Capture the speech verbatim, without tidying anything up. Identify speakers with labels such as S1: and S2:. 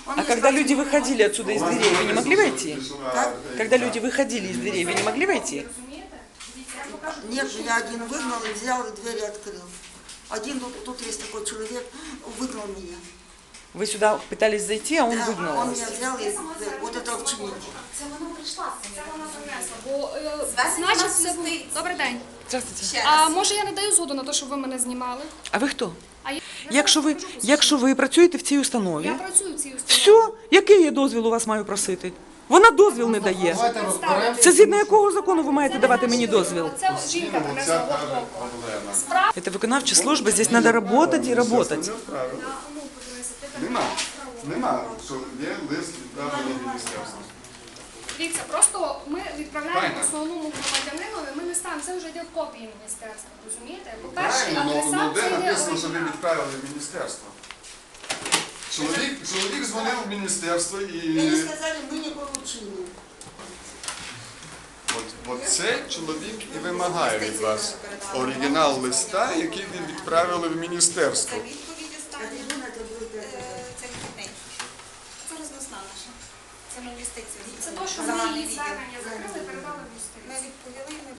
S1: А когда люди выходили отсюда из дверей, вы не могли войти?
S2: Так?
S1: Когда люди выходили из дверей, вы не могли войти?
S2: Нет, я один выгнал и взял, и двери открыл. Один, тут, тут есть такой человек, выгнал меня.
S1: Вы сюда пытались зайти, а он
S2: Да,
S1: выгнал
S2: он
S1: вас.
S2: меня взял и вот это вчинил.
S3: Це вона прийшла, це вона принесла. Бо, е, значить, це був... Добрий день.
S1: Здравствуйте.
S3: А може я не даю згоду на те, щоб ви мене знімали?
S1: А ви хто?
S3: А я,
S1: Якщо ви, якщо ви працюєте в цій установі,
S3: я працюю в цій установі.
S1: все, який я дозвіл у вас маю просити? Вона дозвіл не дає.
S4: Давайте розберемося.
S1: Це згідно якого закону ви маєте давати мені дозвіл?
S3: Це жінка принесла голову. Справа.
S1: Это виконавча служба, здесь надо работать и работать.
S5: Нема. Нема. Що є лист відправлений в міністерство.
S3: Дивіться, просто ми відправляємо
S5: Правильно.
S3: основному громадянинові, ми не ставимо, це вже йде в копії міністерства, розумієте? По-перше,
S5: Правильно, ну, ну
S3: адресат
S5: де
S3: це йде
S5: написано, що ви
S3: оригінал.
S5: відправили в міністерство? Чоловік, чоловік дзвонив в міністерство і...
S2: Мне сказали, мы не получили.
S5: От, от цей чоловік і вимагає від вас оригінал листа, який ви відправили в міністерство.
S6: Відповідь
S2: А
S6: остання.
S2: трибуна это будет
S6: Е,
S2: это.
S6: Це відповідь. Це розмисна наша. Це ми в юстицію.
S3: Це те, що
S6: Загальний
S3: ми її
S6: відділ.
S3: звернення закрили, передали в юстицію.
S6: Ми відповіли, ми